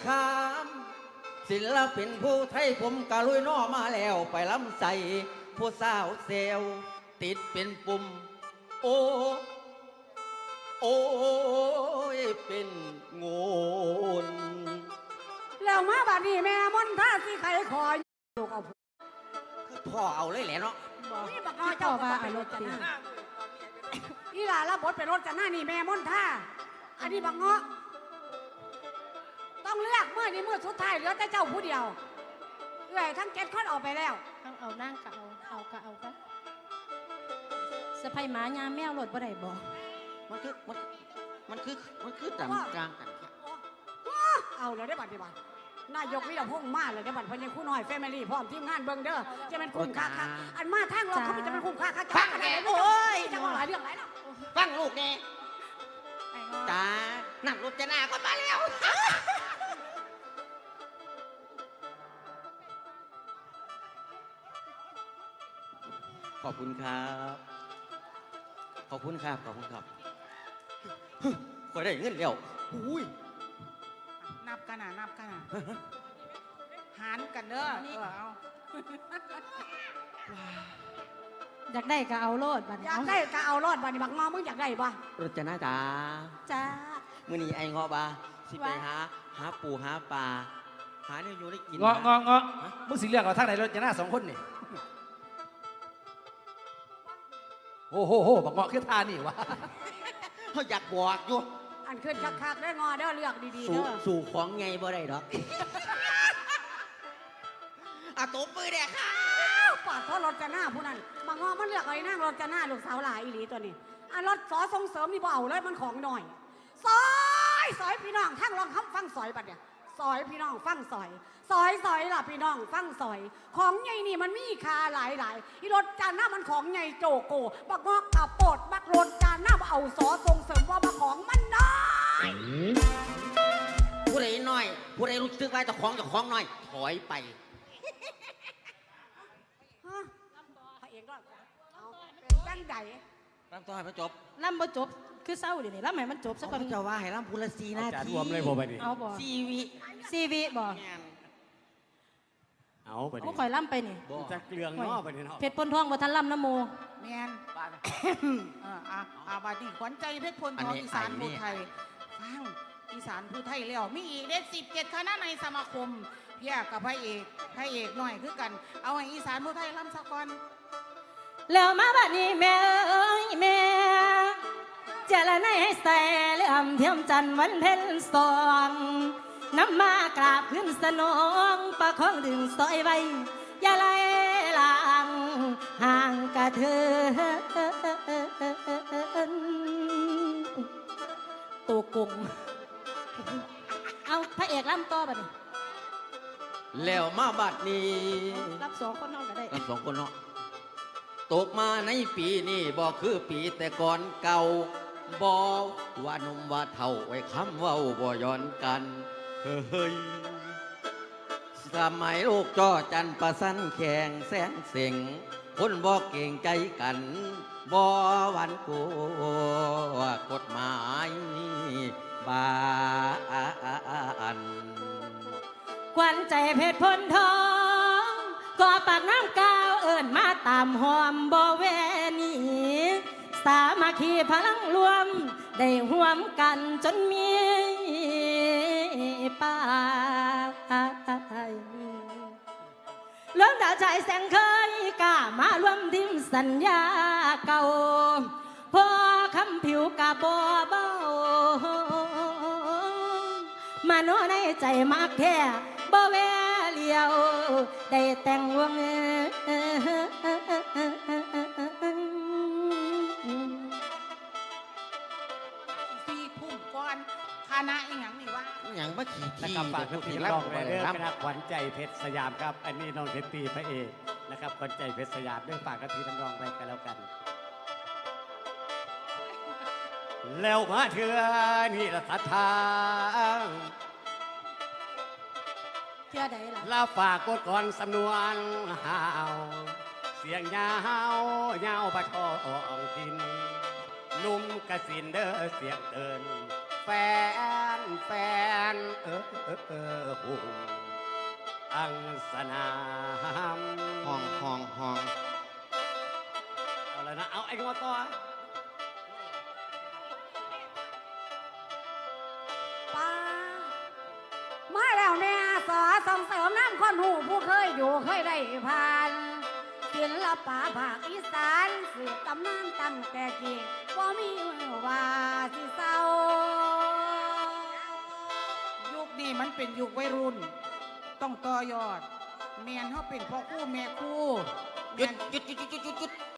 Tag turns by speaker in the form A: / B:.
A: คามศิลปินผู้ไทยผมกะลุยน้อมาแล้วไปลำใส่ผู้สาวเซลติดเป็นปุ่มโอ้โอ้ยเป็นงูน
B: แล้วมาบัดนี้แม่มนท่าสิใครขอลูกเอา
A: คือพ่อเอาเลยแหละเนาะ
B: นี่บักน้อยเจ้าว่าเอารถกันหน้าอีหล่ารับบทเป็นรถกันหน้านี่แม่มนท่าอันนี้บักเงาะต้องเลือกเมื่อนี้เมื่อสุดท้ายเหลือแต่เจ้าผู้เดียวเอ้ยทั้งเก็ตคอนออกไปแล้ว
C: เอานั่งกะเอากะสะพายหมายาแมวรถบ่ได้บ่
A: มันคือต่ำกลางกัน
B: เอาเลยได้บัตรดีบัตรนายกวิทยาพงษ์มาเลยได้บัตรพญาคู่น้อยแฟมิลี่พร้อมทีมงานเบิ้งเด้อจะเป็นคุ้มค่าอันมาทางเราเขาจะเป็นคุ้มค่า
A: ฟังแกโอ้ย
B: จะว่าหลายเรื่องหลายแล้ว
A: ฟังลูกแกจ้านั่งรถจะหน้าก็มาแล้วขอบคุณครับขอบคุณครับคอยได้เงินแล้วอุ้ย
B: นับกันหารกันเด้อเอา
C: อยากได้ก็เอาโลดบัด
B: อยากได้ก็เอาโลดบัดนี้บักงอมึงอยากได้บ่
A: รถจะหน้าจ้ามื้อนี้ไอ้เงาะบ่าสิไปหาปูหาปลาหาเนี่ยอยู่ได้กิน
D: เงาะมึงสิเลือกเอาทางไหนรถจะหน้า2 คนนี่โอ้โหบักเงาะคือท่านี่วะ
A: เขาอยากบอกอยู่
B: อันขึ้นคักๆได้งอเด้อเลือกดีๆเด้อ
A: สู่ของไงบ่ได้ดอกตบมือเด็กค่ะ
B: ปาดเพราะรถจะหน้าผู้นั้นบางงอมันเลือกอะไรนั่งรถจะหน้าลูกสาวหลายอีหลีตัวนี้รถสอส่งเสริมนี่บ่เอาเลยมันของหน่อยซอยพี่น้องทั้งลองคำฟังซอยบัดเนี่ยซอยพี่น้องฟังซอยล่ะพี่น้องฟังซอยของใหญ่นี่มันมีค่าหลายอีรถจานหน้ามันของใหญ่โจโกบักงอกขับโปดบักรถจานหน้าเอาสอส่งเสริมว่ามาของมันน้อย
A: ผู้ใดน้อยผู้ใดรู้สึกว่าจะของน้อยถอยไป
B: พระเอกก็เอาเป็นแป้งใหญ่
A: ลำต่อให้มันจบ
C: ลำบ่จบคือเศร้าเดี๋ยวนี้ลำให้มันจบสักคน
A: จะว่าให้ลำพูละ4 นาที
D: รวมเลยบ่ไปดิ
C: เอาบ่4 วิบ่
D: เอาไปดิ
C: เอาข่อยลำไปนี่
D: จะเกลืองง้อไปนี่เนาะ
C: เพชรพลทองบ่ทันลำน้ำโม
B: แมนบาดนี้ขวัญใจเพชรพลทองอีสานผู้ไทยฟังอีสานผู้ไทยแล้วมีอีกได้17 คณะในสมาคมเพียกับพระเอกหน่อยคือกันเอาให้อีสานผู้ไทยลำสักก่อน
C: แล้วมาบัดนี้แม่เอ้ยแม่จะละในให้ใส่เลื่อมเทียมจันทร์วันเพ็ญ2น้ำมากราบขึ้นสนองประคองดึงซอยไว้อย่าไล่ลางห่างกระเทือนตัวกงเอาพระเอกลำต่อบัดนี้
A: แล้วมาบัดนี้
C: รับ2 คนเนาะก็ได้
A: รับ2 คนเนาะตกมาในปีนี้บ่คือปีแต่ก่อนเก่าบ่ว่านุ่มว่าเท่าไว้คำเว้าบ่ย้อนกันเฮ้ยสมัยลูกจ้อจันประสันแข่งแสงเสียงคนบ่เก่งใจกันบ่หวั่นกลัวกฎหมายบาน
C: ขวัญใจเพชรพลทองก่อปากน้ำกาวเอิ้นมาตามหอมบ่แวนีสามัคคีพลังรวมได้ร่วมกันจนมีป้าเรื่องดาวใจแสงเคยกล้ามารวมทีมสัญญาเก่าพอคำผิวกะบ่เบามาโนในใจมากแค่บ่แวเลียวได้แต่งวง
B: คณะอย่างนี้ว่า
A: อย่างเมื่อกี้ที่
D: ฝากพี่น้องไปเรื่องนะครับขวัญใจเพชรสยามครับอันนี้น้องเพชรตีพระเอกนะครับขวัญใจเพชรสยามด้วยฝากกับพี่น้องไปกันแล้วกันแล้วมาเถื่อนี่ละทัดทาง
C: เถื่อใดล่ะ
D: ลาฝากกดก่อนสำนวนหาวเสียงยาวปะทองทินนุ่มกระสินเด้อเสียงเตือนแฟนแฟนโอ้อังสนาม
A: ห้อง
D: เอาแล้วนะเอาไอ้งอต่อ
B: ป้ามาแล้วเนี่ยสอส่งเสริมน้ำคนหูผู้เคยอยู่เคยได้ผ่านศิลปะภาคอีสานสืบตำนานตั้งแต่กี่ว่ามีว่าสิเศร้า
E: ยุคนี้มันเป็นยุควัยรุ่น ต้องต่อยอดแมนเขาเป็นพ่อคู่แม่คู่
A: หยุด